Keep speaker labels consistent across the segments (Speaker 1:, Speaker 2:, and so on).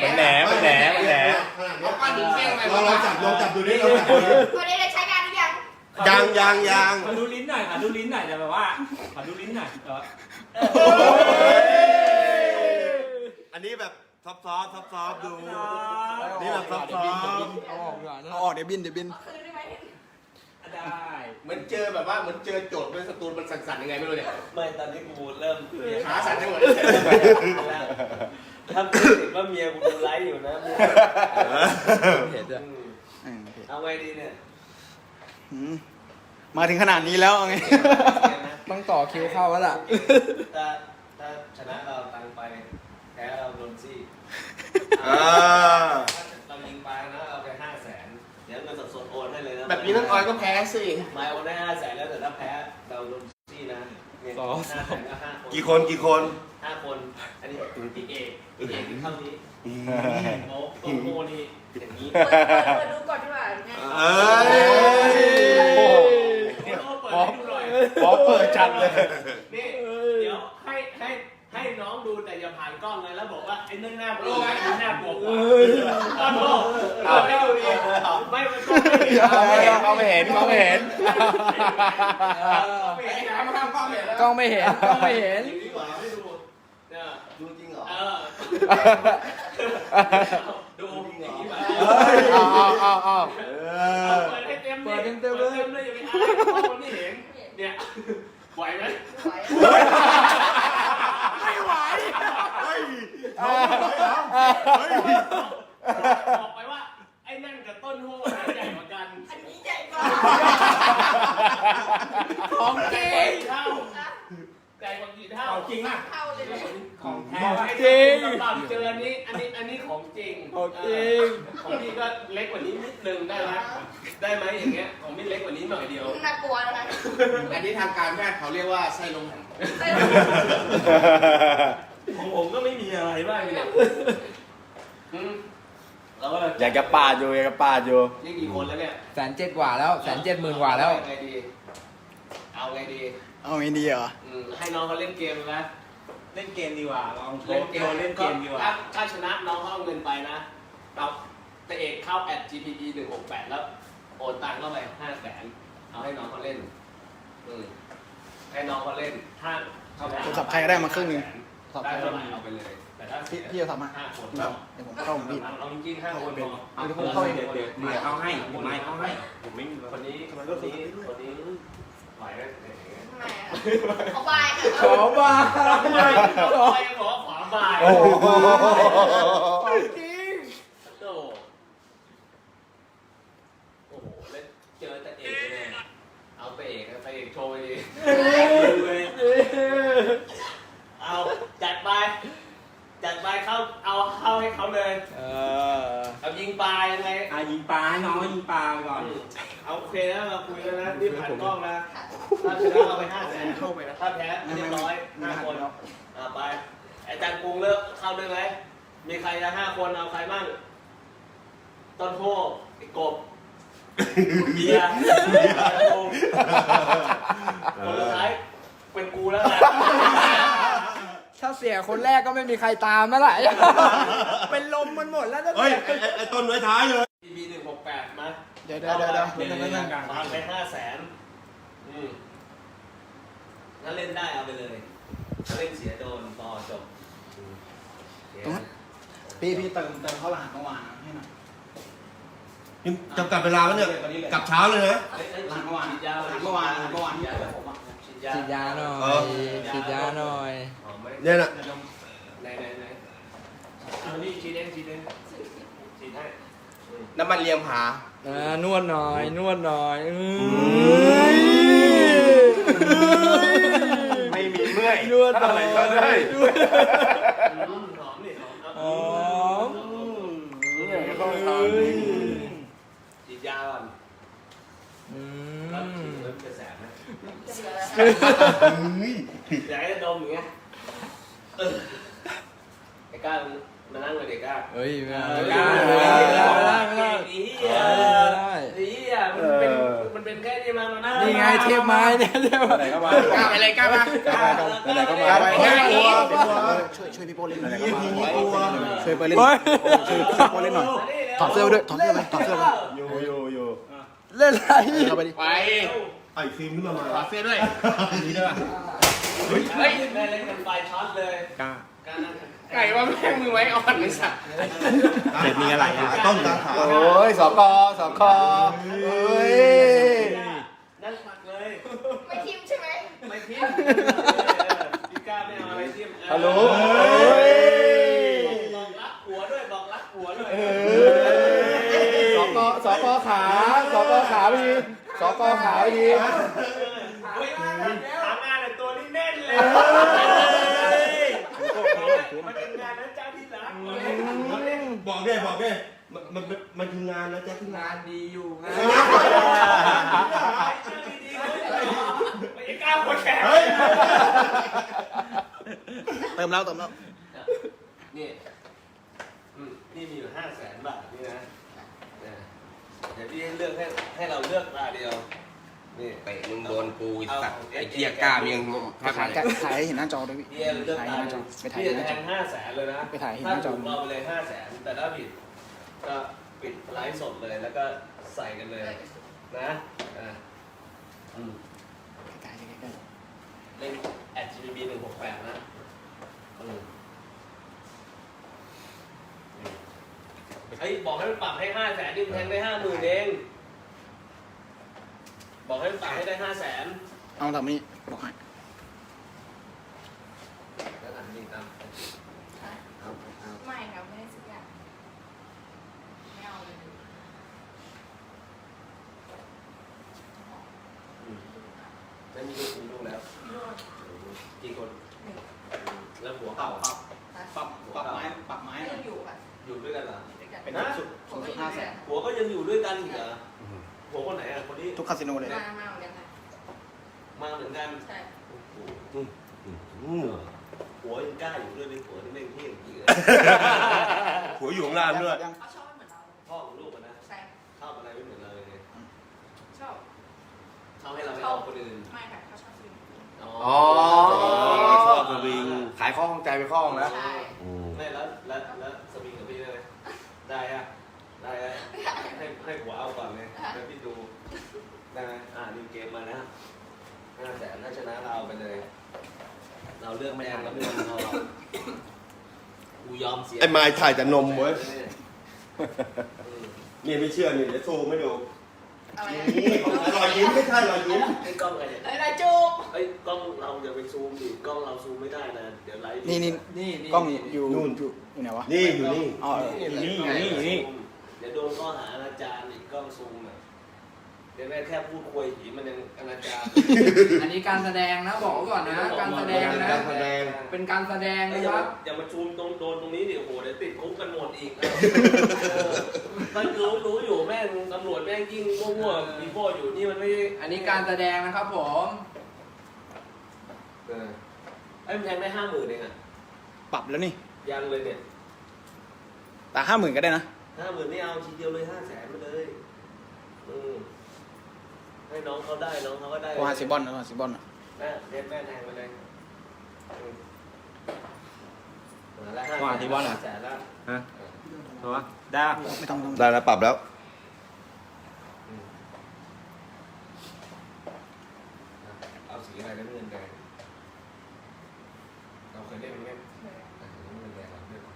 Speaker 1: แหน
Speaker 2: เอาก้อนหินเฟี้ยงไป
Speaker 3: ลองจับดูนี่ลองจับดู
Speaker 4: วันนี้ได้ใช้งานหรือยัง
Speaker 3: ยัง
Speaker 1: ขอดูลิ้นหน่อยขอดูลิ้นหน่อยแต่แบบว่าขอดูลิ้นหน่อย
Speaker 3: อันนี้แบบซอฟต์ดูนี่แบบซอฟต์
Speaker 5: เอาออกเดี๋ยวบิน
Speaker 4: คืนได้ไหม
Speaker 1: ได้
Speaker 2: เหมือนเจอแบบว่าเหมือนเจอโจทย์เป็นสตูนมันสั่นๆยังไงไม่รู้เนี่ย
Speaker 6: ไม่ตอนนี้กูเริ่ม
Speaker 2: ขาสั่นทั้งหมด
Speaker 6: ถ้าพูดถึงว่าเมียกูดูไลฟ์อยู่นะ
Speaker 5: เห็นด้วย
Speaker 6: เอาไงดีเนี่ย
Speaker 5: มาถึงขนาดนี้แล้วไงต้องต่อคิวเข้าแล้วล่ะ
Speaker 6: ถ้าชนะเราตังไปแพ้เราโดนซี่เรายิงไปนะเอาไป500,000เดี๋ยวเงินสดๆโอนให้เลยนะ
Speaker 2: แบบนี้น้องออยก็แพ้สิ
Speaker 6: ไม่โอนได้500,000แล้วแต่ถ้าแพ้เราโดนซี่นะเนี่ย500,000ก็5 คน
Speaker 3: กี่คน
Speaker 6: 5 คนอันนี้พี่เอกเท่านี้โอ้โต้โมนี่อย่างนี้
Speaker 4: เปิดดูก่อนดีกว่าไง
Speaker 1: พอเปิดจัดเลย
Speaker 6: นี่เดี๋ยวให้น้องดูแต่อย่าผ่านกล้องเลยแล้วบอกว่าไอ้นั่นหน้ากลัวไอ้นี่หน้ากลัวกว่าต้นโมไม่ดูดิไม่มันก็ไม่เห็น
Speaker 1: เขาไม่เห็น
Speaker 5: กล้องไม่เห็น
Speaker 6: ดีกว่าไม่ดูเนี่ย
Speaker 2: ดูจริงเหรอ
Speaker 6: ดูอย่างนี้มา
Speaker 1: เอา
Speaker 6: เปิดให้เต็มเลยอย่าไปอายเพราะคนไม่เห็นเนี่ยไหวไหม
Speaker 4: ไม่ไหว
Speaker 6: บอกไปว่าไอ้นั่นกับต้นโหใหญ่กว่ากัน
Speaker 4: อันนี้ใหญ่กว่า
Speaker 6: ของจริงเท่าใหญ่กว่ากี่เท่า
Speaker 1: จริงอ่ะ
Speaker 4: เข้าเลยเนี่ย
Speaker 1: ของแท้
Speaker 6: จริงตอนเจออันนี้ของจริง
Speaker 5: ของจริง
Speaker 6: ของพี่ก็เล็กกว่านี้นิดนึงได้ไหมได้ไหมอย่างเงี้ยของพี่เล็กกว่านี้หน่อยเดียว
Speaker 4: น่ากลัวนะคะ
Speaker 2: อันนี้ทางการแพทย์เขาเรียกว่าไส้ลมหัน
Speaker 6: ของผมก็ไม่มีอะไรบ้างเนี่ยแล้วก็
Speaker 5: อยากจะปาดอยู่
Speaker 6: นี่กี่คนแล้วเนี่ย
Speaker 5: 170,000 กว่าแล้ว170,000 กว่าแล้ว
Speaker 6: ไงดีเอาไงดี
Speaker 5: เอาไม่ดีเหรอ
Speaker 6: ให้น้องเขาเล่นเกมนะ
Speaker 1: เล่นเกมดีกว่าลองโช
Speaker 6: เล่น
Speaker 1: ว์
Speaker 6: เกม
Speaker 1: เล่นเกมดีกว่า
Speaker 6: ถ้าชนะน้องเขาเอาเงินไปนะเราแต่เอกเข้า @gpe 168แล้วโอนตังค์เข้าไป500,000เอาให้น้องเขาเล่นให้น้องเขาเล่นถ้าเขา
Speaker 5: โทรศัพท์ใครก็ได้มาครึ่งหนึ่ง
Speaker 6: ได้เท่าไหร่เอาไปเลยแต่ถ้า
Speaker 5: พี่จะทำมา
Speaker 6: 5 คน
Speaker 5: เดี๋ยวผมเข้าผมพี่
Speaker 6: เอาจริงๆ5 คนพอ
Speaker 5: เอาเดี๋ยวผมเข้าเอง
Speaker 1: เดี๋ยวเอาให้ไม่เอาให้ผมไม่มี
Speaker 6: คนนี้ไหวไหม
Speaker 4: ทำไมอ่ะขอบายค่ะ
Speaker 5: ขอบา
Speaker 6: ไปขอขวาบ่าย
Speaker 5: โอ้โห
Speaker 6: จริงโอ้โหแล้วเจอแต่เอกเลยเอาไปเอกโชว์ดีเอาจัดเข้าเอาเข้าให้เขาเลยเอายิงปลายังไง
Speaker 1: ยิงปลาให้น้องยิงปลาไปก่อน
Speaker 6: เอาโอเคนะเราคุยแล้วนะรีบผ่านกล้องนะถ้าชนะเอาไป500,000เข้าไปนะถ้าแพ้เรียบร้อย5 คนไปอาจารย์กรุงเลิกเข้าด้วยไหมมีใครจะ5 คนเอาใครบ้างต้นโพไอ้กบเบียร์คนสุดท้ายเป็นกูแล้วนะ
Speaker 5: ถ้าเสียคนแรกก็ไม่มีใครตามแล้วแหละเป็นลมมันหมดแล้วถ้า
Speaker 3: เฮ้ย
Speaker 5: เสีย
Speaker 3: ไอ้ต้นไว้ท้ายเลย
Speaker 6: ทีบี168มา
Speaker 5: เดี๋ยว
Speaker 6: ฟังไป500,000ถ้าเล่นได้เอาไปเลยถ้าเล่นเสียโดนต่อจบ
Speaker 5: พี่เติมเข้ารหัสเมื่อวานให้หน่อย
Speaker 3: จำกัดเวลาแล้วเนี่ยกลับเช้าเลยนะ
Speaker 5: หลังเมื่อวาน
Speaker 6: ฉีดยา
Speaker 5: เมื่อวานที่ไปผมอ่ะ
Speaker 6: ฉีดยาหน่อย
Speaker 5: ฉีดยาหน่อย
Speaker 3: เนี่ยน่ะ
Speaker 6: ไหนเอานี่ฉีดเองฉีดให้
Speaker 2: น้ำมันเลียมผาน
Speaker 5: วดหน่อย
Speaker 1: ไม่มีเมื่อย
Speaker 5: นวดหน่อย
Speaker 6: หอมนี่หอมฉีดยาก่อนแล้วฉีดแล้วจะแสบไหมอยากให้ดมอย่างเงี้ยไอ้ก้ามานั่งเลยเด็กก้า
Speaker 5: เฮ้ยไม่
Speaker 6: ไม่
Speaker 5: ได้
Speaker 6: ได้
Speaker 5: ไม่ได้
Speaker 6: ดีอ่ะมันเป็นแค่นี้มานะ
Speaker 5: นี่ไงเทพไม้เนี่ยเทพไม้
Speaker 1: ไหนก็มา
Speaker 2: ก้าวไปเลยก้าวมา
Speaker 3: ไหนก็มา
Speaker 5: ช่วยพี่โป้เล่นหน่อย
Speaker 3: ช่วยไปเล่น
Speaker 5: ช่วยพี่โป้เล่นหน่อยถอดเสื้อด้วยถอดเสื้อเลยถอดเสื้อเลย
Speaker 3: อยู่
Speaker 5: เล่นอะไร
Speaker 3: เข้าไปดิ
Speaker 2: ไป
Speaker 3: ไอ้ฟิล์มขึ้นมา
Speaker 2: ขอเสื้อด้วย
Speaker 3: นี่ด้วย
Speaker 6: เฮ้ยแม่เล่นกันไฟช็อตเลย
Speaker 1: กล้า
Speaker 2: ไก่ว่าแม่งมือไว้อ่อนไอ้สัตว์
Speaker 1: เสร็จมีอะไรอ่ะ
Speaker 3: ต้นตาขา
Speaker 5: โอ้ยสกเฮ้ย
Speaker 6: นั่นหมักเลย
Speaker 4: ไม่ทิมใช่ไหม
Speaker 6: ไม่ทิ้งพี่ก้าไม่เอาอะไรทิ้ง
Speaker 5: ฮัลโหล
Speaker 6: บอกรักหัวด้วยบอกรักหัวด้วย
Speaker 5: สกขาพี่สกขาพี่
Speaker 6: เฮ้ยหางานแต่ตัวนี้แน่นเลยมันเป็นงานนะเจ้าที่รัก
Speaker 3: บอกได้มันคืองานนะแจ๊คที่งาน
Speaker 5: งานดีอยู่งาน
Speaker 6: ไม่กล้าหัวแข็ง
Speaker 3: เติมแล้ว
Speaker 6: นี่นี่มีอยู่500,000 บาทนี่นะเดี๋ยวพี่เลือกให้เราเลือกตาเดียวนี่
Speaker 2: เตะมึงโดนกูไอ้สัตว์ไอ้เกียร์กล้ามยังแทบ
Speaker 5: ถ่าย
Speaker 2: ไม่ได้
Speaker 5: ถ่ายให้เห็นหน้าจอด้วยพี่
Speaker 6: พี่เลือก
Speaker 5: ถ่าย
Speaker 6: ตา
Speaker 5: ให้หน้าจอไปถ่าย
Speaker 6: พี่
Speaker 5: ให้หน้า
Speaker 6: แท
Speaker 5: จอ
Speaker 6: ง500,000เลยนะ
Speaker 5: ไปถ่ายให้ห
Speaker 6: ถ้า
Speaker 5: น้าจอ
Speaker 6: ถูกเราไปเลย500,000แต่ถ้าผิดก็ปิดไลฟ์สดเลยแล้วก็ใส่กันเลยนะ
Speaker 5: ใกล้ๆ
Speaker 6: เล่น@GBB 168นะเฮ้ยบอกให้มันปรับให้500,000นี่มันแทงได้50,000เองบอกให้มันปรับให้ได้500,000
Speaker 5: เอาแบบนี้บอกให้
Speaker 6: แล้วอันนี้ตาม
Speaker 4: ไม่ครับไม่ได้สักอย่างไม่เอาเลย
Speaker 6: ไม่มีลูกแล้ว
Speaker 4: พี่โรด
Speaker 6: กี่คนแล้วหัวเก่า
Speaker 1: ปรับไม้
Speaker 4: ยังอยู่อ่ะ
Speaker 6: อยู่ด้วยกันเหรอ
Speaker 4: ด้วยกัน
Speaker 1: เป็น
Speaker 6: นะ
Speaker 4: ผมก็อยู่ด้วยกัน
Speaker 6: หัวก็ยังอยู่ด้วยกันอีกเหรอหัวคนไหนอ่ะคนนี้
Speaker 5: ทุกคาสิโนเลย
Speaker 4: มาเหมือนกันค่ะ
Speaker 6: มาเหมือนกัน
Speaker 4: ใช่
Speaker 6: หัวยังกล้าอยู่ด้วยเป็นหัวที่ไม่เที่ยงจริง
Speaker 3: หัวอยู่ข้างล่างด้วย
Speaker 4: เขาชอบไม่เหมือนเรา
Speaker 6: พ่อของลูกนะ
Speaker 4: ใช่
Speaker 6: ชอบอะไรไม่เหมือนเราเลย
Speaker 4: ชอบ
Speaker 6: ชอบให้เราไม่เอาคนอื่น
Speaker 4: ไม่ค่ะเขาชอบซื้อ
Speaker 2: อ๋อ
Speaker 3: ชอบสวิง
Speaker 2: ขายข้อข้องใจไปข้อข้องแล้ว
Speaker 4: ใช่
Speaker 6: ไม่แล้วสวิงกับพี่ได้ไหมได้อะได้อะให้หัวเอาก่อนเลยแล้วพี่ดูได้ไหมนิวเกมมานะ500,000ถ้าชนะเราเอาไปเลย เราเลือกแดงแล้วไม่ยอมเรากูยอมเสีย
Speaker 3: ไอ้ไม้ถ่ายแต่นมเว้ยนี่ไม่เชื่อนี่เดี๋ยวโชว์ไม่ดู
Speaker 4: อะไร
Speaker 3: นี่รอยยิ้มไม่ใช่รอยยิ้ม
Speaker 6: ไอ้กล้องใครเนี่ย
Speaker 4: อะไรจูบ
Speaker 6: ไอ้กล้องเราอย่าไปซูมดิกล้องเราซูมไม่ได้นะเดี๋ยวไลฟ์
Speaker 5: นี่กล้องอยู่อยู่ไหนวะ
Speaker 3: นี่อยู่นี่
Speaker 5: อ๋อ
Speaker 1: นี่
Speaker 6: เดี๋ยวโดนข้อหาอนาจารอีกกล้องซูมอ่ะเดี๋ยวแม่แค่พูดคุยผีมันยังอนาจาร
Speaker 5: อันนี้การแสดงนะบอกไว้ก่อนนะ การแสดงนะ
Speaker 3: การแสดง
Speaker 5: เป็นการแสดง
Speaker 6: อย่า
Speaker 5: นะครับ
Speaker 6: อย่ามาซูมโดนตรงนี้ดิโอ้โหเดี๋ยวติดคุกกันหมดอีกมันรู้อยู่แม่งตำรวจแม่งยิ่งมั่วๆมีพ่ออยู่นี่มันไม่
Speaker 5: อันนี้การแสดงนะครับผม
Speaker 6: ไอ้มันแทงได้50,000เองอ่ะ
Speaker 5: ปรับแล้วนี่
Speaker 6: ยังเลยเนี่ย
Speaker 5: แต่50,000ก็ได้นะ
Speaker 6: 50,000ไม่เอาทีเดียวเลย500,000มาเลยให้น้องเขาได้น้องเขาก็ได้
Speaker 5: โอฮาซิบอนนะโอฮาซิบอน
Speaker 6: แม่เด็ดแม่แทงไปเลยแล้ว
Speaker 1: ว่าที่บอลเหรอ
Speaker 6: 500,000แล้ว
Speaker 1: ฮะถูกปะได้
Speaker 5: ไม่ต้อง
Speaker 3: ได้แล้วปรับแล้ว
Speaker 6: เอาสีอะไรน้ำเงินแดงเราเคยเล่นไหมน้ำเงินแดงเราเล่น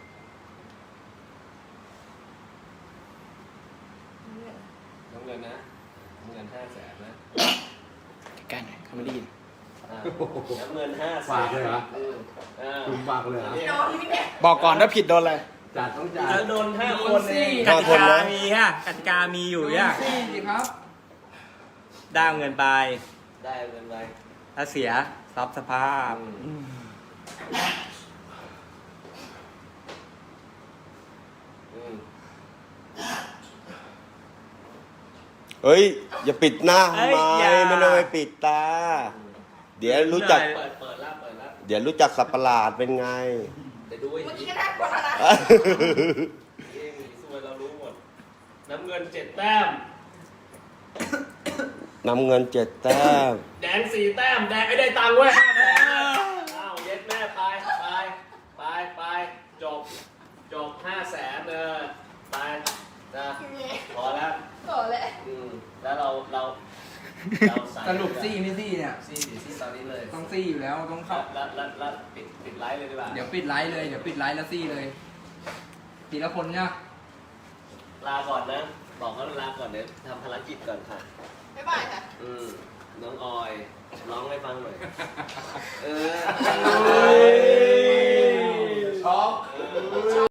Speaker 6: น้ำเงินนะน้ำเงิน500,000นะ
Speaker 5: ใกล้หน่อยเขาไม่ได้ยิน
Speaker 6: น้ำเงิน500,000
Speaker 1: ฝากเลยเหรอ คุณฝากเลยเหรอ
Speaker 4: โดนนี่เนี่ย
Speaker 5: บอกก่อนถ้าผิดโดนอะไร
Speaker 1: จัดต้องจัด
Speaker 6: แล้วโดน5 คนเอง
Speaker 1: กติกามีฮะกติกามีอยู่ย่ะ
Speaker 5: สิครับ
Speaker 1: ได้เงินไป
Speaker 6: ได้เงินไป
Speaker 1: ถ้าเสียทรัพย์สภาพ
Speaker 3: เฮ้ย อย่าปิดหน้า
Speaker 1: เอ้
Speaker 3: ทำ
Speaker 1: ย
Speaker 3: ไม
Speaker 1: อย่า
Speaker 3: ไม่ต้องไปปิดตา เดี๋ยวรู้จัก
Speaker 6: เปิดแล้ว
Speaker 3: เดี๋ยวรู้จักสับประหลาดเป็นไง
Speaker 6: เดี๋ยวดูไอ้
Speaker 4: เมื่อ
Speaker 6: ผี
Speaker 4: กี้ก็น่ากลัวแล้วนะ
Speaker 6: เองสวยเรารู้หมดน้ำเงิน7 แต้ม
Speaker 3: นำเงิน7 แต้ม
Speaker 6: แดง4 แต้มแดงไอ้ได้ตังค์เว้ย5 แสนอ้าวเย็ดแม่ไปจบ5 แสนไปนะพอแล้ว
Speaker 4: โอ้เลย
Speaker 6: แล้วเราใส่
Speaker 5: สรุปซี่ไม่ซี่เนี่ย
Speaker 6: ซี่ตอนนี้เลย
Speaker 5: ต้องซี่อยู่แล้วต้องเข้า
Speaker 6: แล้วปิดไลฟ์เลยดีกว่า
Speaker 5: เดี๋ยวปิดไลฟ์เลย เดี๋ยวปิดไลฟ์แล้วซี่เลย ทีละคนเนี่ย
Speaker 6: ลาก่อนนะ บอกเขาลาก่อนเดี๋ยวทำภารกิจก่อนค่ะ
Speaker 4: บ๊ายบายค่ะ
Speaker 6: น้องออยร้องให้ฟังหน่อย
Speaker 2: ช็อก